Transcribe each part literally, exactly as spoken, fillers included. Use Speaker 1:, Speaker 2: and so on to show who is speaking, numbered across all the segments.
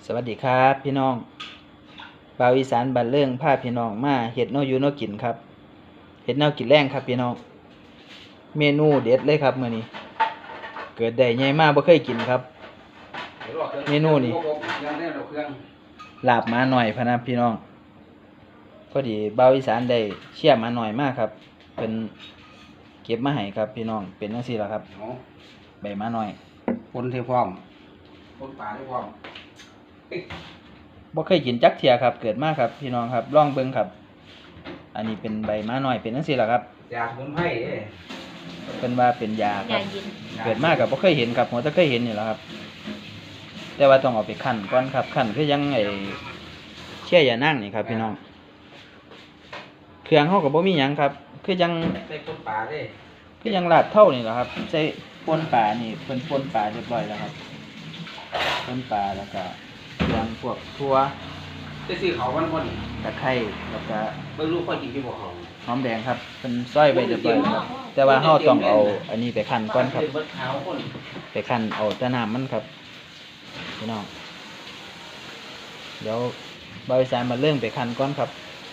Speaker 1: สวัสดีครับพี่น้องบ่าวอีสานบ้านเรื่องพาพี่น้องมาเฮ็ดแนวอยู่แนวกินครับเฮ็ดแนวกินแรงครับพี่น้องเมนูเด็ดเลยครับมื้อนี้เกิดได้ใหญ่มากบ่เคยกินครับเมนูนี้ลาบหมาหน่อยพะนะพี่น้องพอดีบ่าวอีสานได้เชี่ยหมาหน่อยมากครับเพิ่นเก็บมาให้ครับพี่น้องเป็นจังซี่ล่ะครับใบหมาหน่อย
Speaker 2: ปนเทพร้อมปนปลาเทพร้อม
Speaker 1: บ่เคยกินจักเที่ยครับเกิดมาครับพี่น้องครับลองเบิ่งครับอันนี้เป็นใบหมาหน่อยเป็นจังซี่ล่ะครับ
Speaker 2: ยาสมุนไพรเด้
Speaker 1: เพิ่นว่าเป็นยาครับเกิดมาก็บ่เคยเห็นครับหัวแต่เคยเห็นนี่แหละครับแต่ว่าต้องเอาไปคั่นก่อนครับคั่นคือยังไอ้เชี่ยยานางนี่ครับพี่น้องเครื่องเฮาก็บ่มีหยังครับคือยัง
Speaker 2: ใส่ปนปลาเด้
Speaker 1: คือยังลาดเท่านี่แหละครับใส่ป่นปลานี่เพิ่นป่นปลาเรียบร้อยแล้วครับป่นปลาแล้วก็เครื่องพวกถั่ว
Speaker 2: ได้ซื้อเขาวันคน
Speaker 1: ตะไคร้แล้วก็
Speaker 2: เบิ่งลูกคนกินอยู่บ่เขา
Speaker 1: หอมแดงครับเพิ่นซอยไว้เรียบร้อยครับแต่ว่าเฮาต้องเอาอันนี้ไปคั่นก่อนครับไปคั่นเอาแต่น้ำมันครับพี่น้องเดี๋ยวบ่าวอีสานมาเรื่องไปคั่นก่อนครับ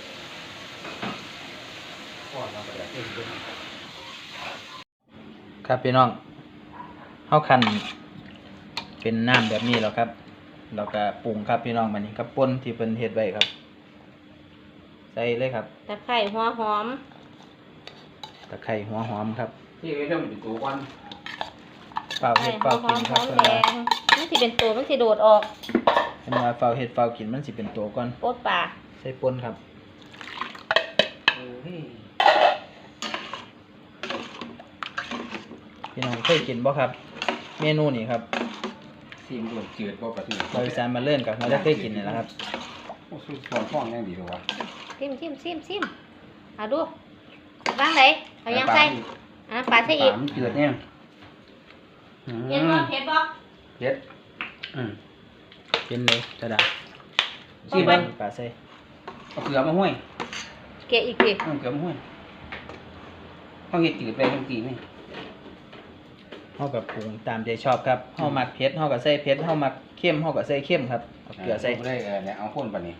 Speaker 1: ครับพี่น้องเฮาคั่นเป็นน้ำแบบนี้แล้วครับแล้วก็ปรุงครับพี่น้องบัดนี้กับป่นที่เพิ่นเฮ็ดไว้ครับใส่เลยครับ
Speaker 3: ตะไคร้หัวหอม
Speaker 1: ตะไคร้หัวหอมครับ
Speaker 2: ที่เริ่มเป็นตัวก่อน
Speaker 1: เฝ้าเฮ็ดเฝ้ากินครับ
Speaker 3: หอมแดงมันสิเป็นตัวมันสิโดดออก
Speaker 1: เพิ่นว่าเฝ้าเฮ็ดเฝ้ากินมันสิเป็นตัวก่อน
Speaker 3: โป๊ดปลา
Speaker 1: ใส่ป่นครับพี่น้องเคยกินบ่ครับเมนูนี้ครับ
Speaker 2: ซีมโดดจืดบ่ปลาทู
Speaker 1: บ่าวอีสานมาเล่นกับเราได้เคยกินนี่แหละครับ
Speaker 2: โอ้สุดฟ้องแน่ดีตัววะ
Speaker 3: ซิมซิมซิมซิมเอาดูวางไหนเอายังใส่อ่ะปลาใส่อีก
Speaker 2: ปลามันจืดเนี่ย
Speaker 3: เห็นบ่เห็นบ่
Speaker 2: เผ็ดอืม
Speaker 1: กินเลยกระดาษ
Speaker 2: ซีมเบิ่ง
Speaker 1: ปลาใส่
Speaker 2: เอาเกลือมาห้วย
Speaker 3: เกะอีกที
Speaker 2: เอาเกลือมาห้วยเฮาเฮ็ดจืดไปจังซี่นี่
Speaker 1: เฮากับปรุงตามใจชอบครับเฮามักเผ็ดเฮาก็ใส่เผ็ดเฮามักเค็มเฮาก็ใส่เค็มครับเอาเกลือใส่
Speaker 2: ได้เออเนี่ยเอาพ่นปานนี้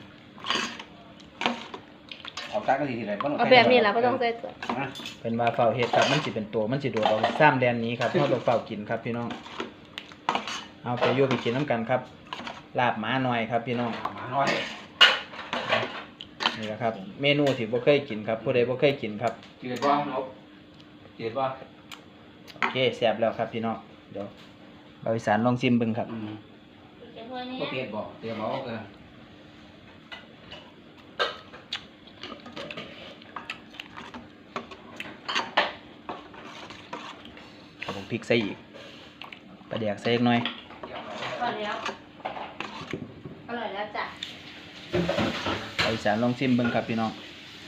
Speaker 2: เอาตักกันทีๆเลยบ่ต้อง
Speaker 3: เอาแบบนี้ล่ะบ่ต้องใส่ตัว
Speaker 2: นะ
Speaker 1: เป็นว่าเฝ้าเฮ็ดครับมันสิเป็นตัวมันสิโดดออกซ้ำแดนนี้ครับเฮาต้องเฝ้ากินครับพี่น้องเอาไปอยู่ไปกินน้ำกันครับลาบหมาหน่อยครับพี่น้อง
Speaker 2: หมาน้อย
Speaker 1: นี่แหละครับเมนูที่บ่เคยกินครับผู้ใดบ่เคยกินครับ
Speaker 2: จืดบ่นกจืดบ่
Speaker 1: โอเคแซ่บแล้วครับพี่น้องเดี๋ยวบ่าวอีสานลองชิมเบิ่งครับ
Speaker 2: อืมบ่เผ็ดบ่เดี๋ยวบ่เอาเกลือ
Speaker 1: เอาพริกใส่อีกปลาแดกใส่อีกหน่อย
Speaker 3: อร่อยแล้วอร่อยแล้วจ้ะ
Speaker 1: บ่าวอีสานลองชิมเบิ่งครับพี่น้อง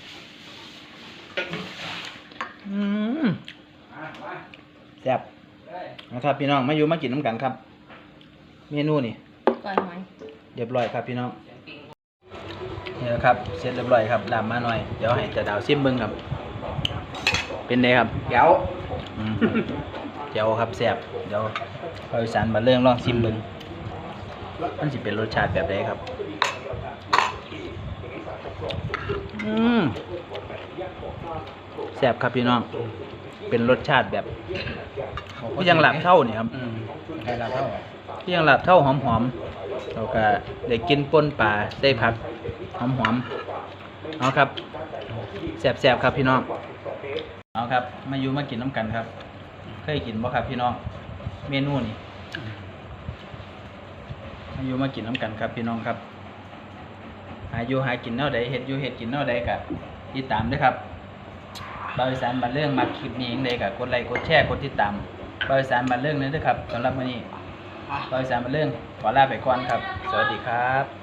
Speaker 1: อืมแซ่บนะครับพี่น้องมาอยู่มากินน้ำกันครับเมนูนี่
Speaker 3: ก่อนหน่อย
Speaker 1: เรียบร้อยครับพี่น้องนี่แหละครับเสร็จเรียบร้อยครับลาบมาหน่อยเดี๋ยวให้ตาดาวชิมเบิ่งครับเป็นไงครับ
Speaker 2: เดี๋ยว
Speaker 1: เดี๋ยวครับแซ่บเดี๋ยวบ่าวอีสานมาเรื่องลองชิมเบิ่งมันสิเป็นรสชาติแบบใดครับอืมแซ่บครับพี่น้องเป็นรสชาติแบบที่ยังหลับเท่านี่ครับ
Speaker 2: ให้ลาบเท่า
Speaker 1: ที่ยังหลับเท่าหอมๆเราก็ได้กินป่นปลาได้ผักหอมๆเอาครับแซ่บๆครับพี่น้องเอาครับมาอยู่มากินน้ำกันครับเคยกินบ่ครับพี่น้องเมนูนี่มาอยู่มากินน้ำกันครับพี่น้องครับหาอยู่หากินแนวใดเฮ็ดอยู่เฮ็ดกินแนวใดก็ติดตามด้วยครับบ่าวอีสานบ้านเรื่องมาคลิปนี้เองเลยก็กดไลค์กดแชร์กดติดตามบ่าวอีสานบ้านเรื่องนี้ด้วยครับสำหรับวันนี้บ่าวอีสานบ้านเรื่องขอลาไปก่อนครับสวัสดีครับ